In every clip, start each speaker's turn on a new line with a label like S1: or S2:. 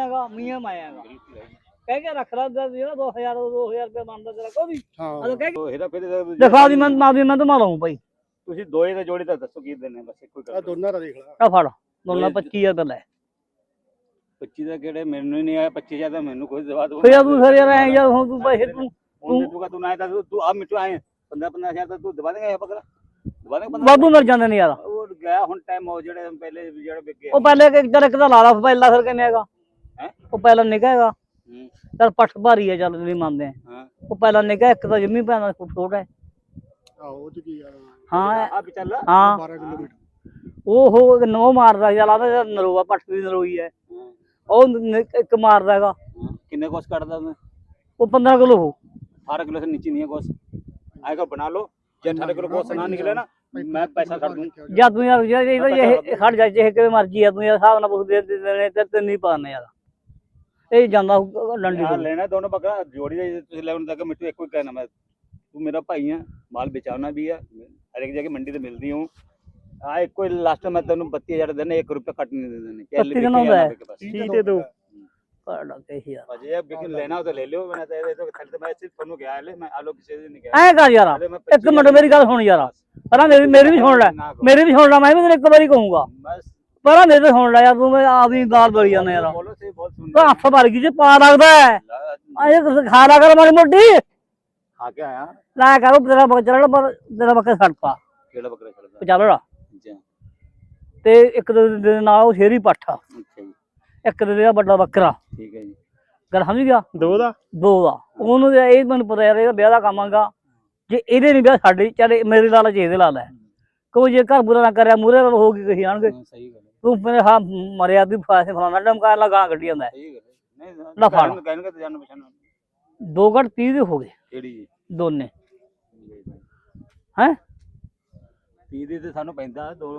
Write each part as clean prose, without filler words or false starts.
S1: ਹੈਗਾ ਮੀਆਂ ਮੈਂ ਹੈਗਾ ਕਹਿ ਕੇ ਰੱਖ ਲਾ ਜਿਹੜਾ 2000 ਰੁਪਏ ਬਣਦਾ ਤੇਰਾ ਕੋਈ ਹਾਂ ਕਹਿ ਕੇ
S2: ਇਹਦਾ ਫਿਰ
S1: ਦਿਖਾ ਦੀ ਮੈਂ ਤਾਂ ਮਾਰਾਂ ਭਾਈ
S2: ਤੁਸੀਂ ਦੋਏ ਦਾ ਜੋੜੀ ਤਾਂ ਦੱਸੋ ਕੀ ਦਿੰਨੇ ਬਸ ਇੱਕੋ ਹੀ
S3: ਆ ਦੋਨਾਂ ਦਾ ਦੇਖ ਲਾ
S1: ਆ ਫੜ ਦੋਨਾਂ 25000 ਦਾ ਲੈ
S2: 25 ਦਾ ਕਿਹੜੇ ਮੈਨੂੰ ਹੀ ਨਹੀਂ ਆਇਆ 25000 ਦਾ ਮੈਨੂੰ ਕੋਈ ਦਵਾ ਦੋ
S1: ਫਿਰ ਤੂੰ ਫਿਰ ਯਾਰ ਐ ਯਾਰ ਹੁਣ ਤੂੰ ਪੈਸੇ ਤੂੰ
S2: ਤੂੰ ਨਾ ਤੂੰ ਆ ਮਿੱਟੂ ਆਏ 15-15000 ਦਾ ਤੂੰ ਦਵਾ ਦੇਗਾ ਇਹ ਬੱਕਰਾ ਦਵਾ ਦੇਗਾ
S1: ਬਾਬੂ ਮਰ ਜਾਂਦੇ ਨੇ ਯਾਰ
S2: ਉਹ ਗਿਆ ਹੁਣ ਟਾਈਮ ਹੋ ਜਿਹੜੇ ਪਹਿਲੇ ਜਿਹੜੇ ਵਿਕੇ
S1: ਉਹ ਪਹਿਲੇ ਇੱਕ ਦਾ ਲਾ ਲਾ ਪਹਿਲਾ ਫਿਰ ਕਿੰਨੇ ਹੈਗਾ
S2: ਹੈ
S1: ਉਹ ਪਹਿਲਾਂ ਨਿਕਾ ਹੈਗਾ ਚੱਲ ਪੱਠ ਭਾਰੀ ਹੈ ਚੱਲ ਨਹੀਂ ਮੰਨਦੇ
S2: ਹਾਂ
S1: ਉਹ ਪਹਿਲਾਂ ਨਿਕਾ ਇੱਕ ਤਾਂ ਜੰਮੀ ਪੈਣਾ ਛੋਟਾ ਹੈ
S3: ਆਹੋ ਉਹ ਚ ਕੀ ਆ
S1: ਹਾਂ
S2: ਆ ਵੀ ਚੱਲ
S1: ਹਾਂ
S3: 12 ਕਿਲੋਮੀਟਰ
S1: ਉਹ ਨੋ ਮਾਰਦਾ ਚੱਲ ਆਦਾ ਨਰੋਆ ਪੱਠ ਦੀ ਨਰੋਈ ਹੈ ਉਹ ਇੱਕ ਮਾਰਦਾ ਹੈਗਾ
S2: ਕਿੰਨੇ ਕੋਸ ਕੱਢਦਾ ਮੈਂ
S1: ਉਹ 15 ਕਿਲੋ ਹੋ
S2: 18 किलो से नीचे नहीं है गोश्त आएगा बना लो जब 18 किलो गोश्त ना निकले ना मैं पैसा कर दूं
S1: ਜਾਂ ਤੂੰ ਯਾਰ ਇਹ ਖੜ ਜਾ ਜੇ ਕਿਵੇਂ ਮਰਜੀ ਆ ਤੂੰ ਯਾਰ ਹਿਸਾਬ ਨਾਲ ਪੁੱਛ ਦੇ ਦੇਣੇ ਤੇ ਨਹੀਂ ਪਾਣੇ ਯਾਰ ਇਹ ਜਾਂਦਾ ਡੰਡੀ
S2: यार लेना दोनों बकरा जोड़ी दे तुझे लेवन तक मिट्टू एक कोई कहना मैं तू मेरा भाई है माल बेचाना भी है हर एक जगह मंडी से मिलती हूँ आ एक कोई लास्ट में तेन 32000 देने 1 रुपया कट नहीं देने
S1: ठीक है तो ਪੜਾ ਕੇ ਯਾਰ
S2: अजय बिल्कुल लेना हो तो ले लो मैंने तो खाली तो मैं सिर्फ फोन गया ले मैं आलो किसी से नहीं गया
S1: ਐ ਕਰ ਯਾਰ ਇੱਕ ਮਿੰਟ ਮੇਰੀ ਗੱਲ ਸੁਣ ਯਾਰ ਪਹਿਲਾਂ ਮੇਰੀ ਵੀ ਸੁਣ ਲੈ ਮੇਰੀ ਵੀ ਸੁਣ ਲੈ ਮੈਂ ਵੀ ਤੈਨੂੰ ਇੱਕ ਵਾਰੀ ਕਹੂੰਗਾ
S2: बस
S1: ਪਹਿਲਾਂ ਮੇਰੇ ਤੇ ਸੁਣ ਲੈ ਯਾਰ ਤੂੰ ਆਪਦੀ ਗਾਲ ਬੋਲੀ ਜਾਂਦਾ ਯਾਰ
S2: बोलो से बहुत सुन
S1: ਤਾਂ ਹੱਥ ਭਰ ਗਈ ਜੇ ਪਾ ਲੱਗਦਾ ਐ ਖਾ ਲਾ ਕਰ ਮਾੜੀ ਮੋਟੀ
S2: खा के आया
S1: ਲੈ ਕਰੋ ਤੇਰਾ ਬੱਕਰਾ ਪਰ ਤੇਰਾ ਬੱਕਰਾ ਛੱਡਤਾ
S2: केड़ा बकरा चलता
S1: ਚੱਲ ਰਾ
S2: अच्छा
S1: ਤੇ ਇੱਕ ਦੇ ਨਾਲ ਉਹ ਸ਼ੇਰੀ ਪੱਠਾ
S2: अच्छा जी
S1: ਇੱਕ ਦੇ ਵੱਡਾ ਬੱਕਰਾ
S2: ठीक है जी
S1: ਗੱਲ ਸਮਝ ਗਿਆ
S3: ਦੋ ਦਾ
S1: ਉਹਨੂੰ ਇਹ ਮੈਨੂੰ ਪਤਾ ਯਾਰ ਇਹਦਾ ਵਿਆਹ ਦਾ ਕੰਮ ਆਗਾ ਜੇ ਇਹਦੇ ਨਹੀਂ ਵਿਆਹ ਸਾਡੇ ਚੱਲ ਮੇਰੇ ਲਾਲਚ ਇਹਦੇ ਲਾ ਲੈ ਕੋਈ ਜੇ ਘਰ ਬੁਰਾ ਨਾ ਕਰਿਆ ਮੂਰੇ ਹੋ ਗਈ ਕਹੀ ਆਣਗੇ
S2: सही गल
S1: ਤੂੰ ਮੇਰੇ ਹਾਂ ਮਰਿਆ ਦੀ ਫਾਸੇ ਫਲਾਣਾ ਡਮਕਾਰ ਲਾ ਗਾਂ ਕੱਢੀ ਜਾਂਦਾ
S2: सही गल नहीं
S1: ना फाड़।
S2: कहने का तो जान पहचान
S1: 2 ਘੰਟ 30 ਦੇ ਹੋ ਗਏ
S2: केड़ी जी
S1: ਦੋਨੇ ਹੈ
S2: 30 ਦੇ ਤੇ ਸਾਨੂੰ ਪੈਂਦਾ ਦੋ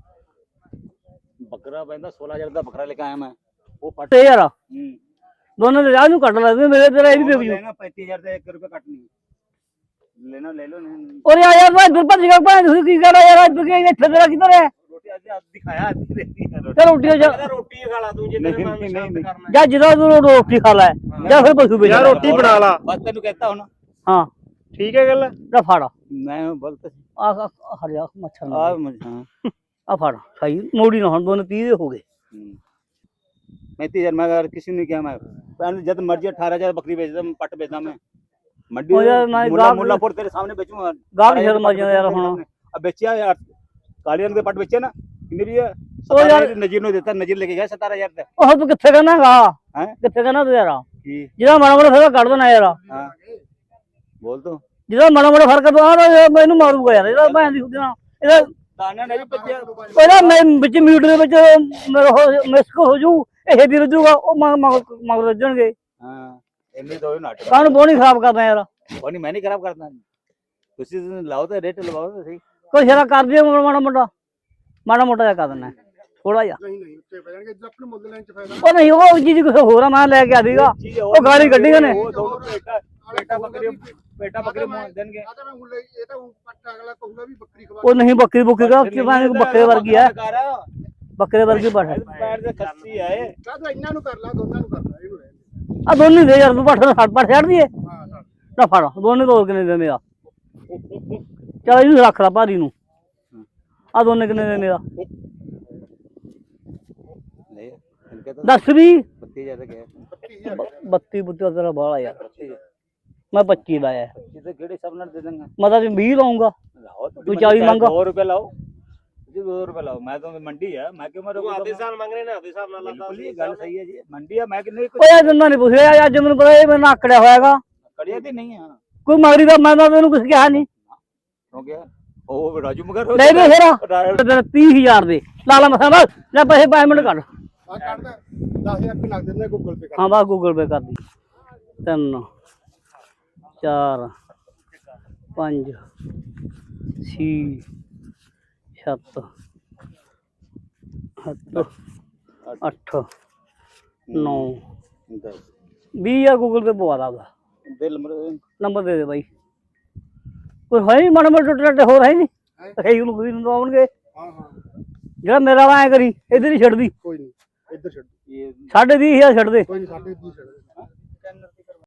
S2: ਬੱਕਰਾ ਪੈਂਦਾ 16000 ਦਾ ਬੱਕਰਾ ਲੈ ਕੇ ਆਇਆ ਮੈਂ ਉਹ ਫਟ
S1: ਤੇ ਯਾਰ ਦੋਨੇ ਦੇ ਰਾਹ ਨੂੰ ਕੱਢ ਲੈ ਮੇਰੇ ਤੇਰਾ ਇਹ ਵੀ ਵੇਚ ਜੂ
S2: ਲੈਣਾ 35000 ਦਾ 1 ਰੁਪਿਆ ਕੱਟ ਨਹੀਂ ਲੈਣਾ ਲੈ ਲਓ ਨਹੀਂ
S1: ਔਰ ਯਾਰ ਮੈਂ ਦੁਰ ਭੱਜ ਗਿਆ ਭਾਂ ਤੁਸੀਂ ਕੀ ਕਰ ਯਾਰ ਅੱਜ ਕੀ ਇੱਥੇ ਤੇਰਾ ਕਿੱਧਰ ਹੈ
S2: ਰੋਟੀ ਅੱਜ ਦਿਖਾਇਆ ਅੱਜ ਰਹਿੰਦੀ ਹੈ
S1: ਤੇ ਰੋਟੀ ਜਾ
S2: ਰੋਟੀ ਖਾ ਲਾ ਤੂੰ ਜੇ ਤੇਰੇ ਨਾਲ ਸ਼ਾਂਤ ਕਰਨਾ
S1: ਜਾਂ ਜਦੋਂ ਤੂੰ ਰੋਟੀ ਖਾ ਲੈ ਜਾਂ ਫਿਰ ਪਸ਼ੂ ਵੇਚ
S3: ਯਾਰ ਰੋਟੀ ਬਣਾ ਲਾ
S2: ਬਸ ਤੈਨੂੰ ਕਹਿਤਾ ਹੁਣ
S1: ਹਾਂ
S3: ਠੀਕ ਹੈ ਗੱਲ
S1: ਲੈ ਫੜ
S2: ਮੈਂ ਬਲਤ
S1: ਆ ਹਟ ਜਾ ਮੱਛਰ
S2: ਆ
S1: ਨਾ
S2: ਹਾਂ
S1: ਆ ਫੜ ਸਹੀ ਮੋੜੀ ਨਾ ਹੁਣ ਦੋਨੇ 30 ਦੇ ਹੋ ਗਏ
S2: 35000 मैं अगर किसी ने क्या मैं जब मर्जी 18000 बकरी बेच दम पट बेचदा मैं मंडी
S1: ओ यार मैं
S2: मुल्लापुर तेरे सामने बेचूंगा
S1: गाल शर्म आ जाए यार हुन
S2: अब बेचिया यार काली रंग के पट बेचे ना कितने भी है
S1: ओ यार
S2: नजीर ने देता नजीर लेके गया 17000 ते
S1: ਉਹ ਤੂੰ ਕਿੱਥੇ ਕਹਿਣਾਗਾ
S2: हैं
S1: ਕਿੱਥੇ ਕਹਿਣਾ ਤੂੰ ਯਾਰ
S2: की
S1: ਜਿਹੜਾ ਮਾੜਾ ਮੋੜਾ ਫਰਕ ਕੱਢ ਦੇਣਾ ਯਾਰ
S2: हां बोल तो
S1: ਜਿਹੜਾ ਮਾੜਾ ਮੋੜਾ ਫਰਕ ਤੂੰ ਆ ਮੈਨੂੰ ਮਾਰੂਗਾ ਯਾਰ ਇਹਦਾ ਭੈਣ ਦੀ ਉਹਦੇ ਨਾਲ ਇਹਦਾ
S2: ताना नहीं बच्चे
S1: ਪਹਿਲਾਂ ਮੈਂ ਵਿੱਚ ਮੀਟ ਦੇ ਵਿੱਚ ਮੇਰਾ ਮਿਸਕ ਹੋ ਜੂ ਇਹ ਦੀ ਰਜੂਗਾ ਉਹ ਮਗਰ ਰੱਜਣਗੇ
S2: हां इन्ने दो नाटक
S1: ਕਾਹਨੂੰ ਬੋਣੀ ਖਰਾਬ ਕਰਦਾ ਯਾਰ
S2: कोनी मैं नहीं खराब करता तुसी लाओ तो रेट लगाओ तो सही
S1: ਕੋਈ ਸ਼ਰਾ ਕਰ ਦਿਓ ਮਾੜਾ ਮੋਟਾ ਜਿਹਾ ਕਰ ਦੇਣਾ ਥੋੜਾ ਜਿਹਾ
S3: ਨਹੀਂ ਉੱਤੇ ਪੈ ਜਾਣਗੇ ਜੇ ਆਪਣੇ ਮੁੱਲ ਲੈਣ ਚ ਫਾਇਦਾ
S1: ਉਹ ਨਹੀਂ ਉਹ ਚੀਜ਼ ਕੁਛ ਹੋਰ ਆ ਮੈਂ ਲੈ ਕੇ ਆ ਦੀਗਾ ਉਹ ਗਾਲੀ ਕੱਢੀ ਨੇ
S2: वो दोनों पेटा बकरी मोह देंगे
S3: ਆ ਤਾਂ ਮੈਂ ਮੁੱਲ ਇਹ ਤਾਂ ਪੱਟ ਅਗਲਾ ਕਹੂਗਾ ਵੀ ਬੱਕਰੀ ਖਵਾ
S1: ਉਹ ਨਹੀਂ ਬੱਕਰੀ ਬੁੱਕੀ ਦਾ ਬੱਕਰੇ ਵਰਗੀ ਹੈ ਬੱਕਰੇ ਵਰਗੀ ਪੱਠ
S2: पैर से खस्सी है
S3: ਕਾ ਤੂੰ ਇਹਨਾਂ ਨੂੰ ਕਰ ਲਾ ਦੋਨਾਂ ਨੂੰ ਕਰ ਲਾ ਇਹਨੂੰ ਰਹਿਣ
S1: ਆ ਦੋਨੇ ਦੇ ਯਾਰ ਤੂੰ ਪੱਠ ਪੱਠ ਛੱਡ ਦਈਏ
S3: ਦੇ ਹਾਂ ਹਾਂ
S1: ਨਾ ਫੜ ਦੋਨੇ ਤੋਂ ਕਿੰਨੇ ਦਿੰਦੇ ਆ ਚੱਲ ਇਹਨੂੰ ਰੱਖ ਲਾ ਭਾਰੀ ਨੂੰ ਆ ਦੋਨੇ ਕਿੰਨੇ ਦਿੰਦੇ ਆ
S2: ले इनके तो
S1: ਦੱਸ ਵੀ
S2: 32000 के
S3: 32000
S1: 32 ਬੁੱਤੇ ਤੇਰਾ ਬਾਲਾ ਯਾਰ ਮੈਂ 25 ਲਾਇਆ
S2: इधर केड़े सब ना दे देंगे
S1: ਮੈਂ ਤਾਂ 20 ਲਾਉਂਗਾ
S2: लाओ
S1: तू 40 मांगा।
S2: 2 रुपए लाओ जी 2 रुपए लाओ मैं तो मंडी है मैं क्यों मेरे को आधे साल मांग रहे ना आधे साल ना लाता ये गल सही है जी मंडी है मैं कितने
S1: ਓਏ ਇਹ ਦੰਦਾ ਨਹੀਂ ਪੁੱਛਿਆ ਅੱਜ ਮੈਨੂੰ ਪਤਾ ਇਹ ਮੈਨੂੰ ਆਕੜਿਆ ਹੋਇਆਗਾ
S2: कड़िया दी नहीं है
S1: ਕੋਈ ਮਗਰੀ ਦਾ ਮੈਂ ਤਾਂ ਤੈਨੂੰ ਕੁਝ ਕਿਹਾ ਨਹੀਂ
S2: हो गया ओ राजू मगर
S1: ਲੈ ਦੇ ਫੇਰ 30000 ਦੇ ਲਾਲਾ ਮਸਾ ਬਸ ਲੈ ਪੈਸੇ ਪੇਮੈਂਟ ਕਰ
S3: ਆ ਕੱਢਦਾ 10000 ਰੁਪਏ ਲੱਗ ਦਿੰਦੇ ਗੂਗਲ ਪੇ ਕਰ
S1: ਹਾਂ ਬਾ ਗੂਗਲ ਪੇ ਕਰ ਦੀ 3 4 5 6 7 8 9 20 ਗੂਗਲ ਪੇ ਪਵਾ ਦਾ
S2: दिल
S1: ਨੰਬਰ ਦੇ ਦੇ ਬਾਈ ਕੋਈ ਹੈ ਨਹੀਂ ਮਾੜਾ ਮੋਟਾ ਟੁੱਟੇ ਹੋਰ ਹੈ ਨਹੀਂ ਕਹੀ ਉਹਨੂੰ ਕੋਈ ਨੂੰ ਆਉਣਗੇ
S3: ਹਾਂ ਹਾਂ
S1: ਜਿਹੜਾ ਮੇਰਾ ਵਾਂ ਐ ਕਰੀ ਇਧਰ ਹੀ ਛੱਡਦੀ
S3: ਕੋਈ ਨਹੀਂ ਇੱਧਰ ਛੱਡ
S2: ਇਹ
S1: 20,500 ਛੱਡ ਦੇ
S3: ਕੋਈ ਨਹੀਂ ਸਾਡੇ ਦੀ ਛੱਡ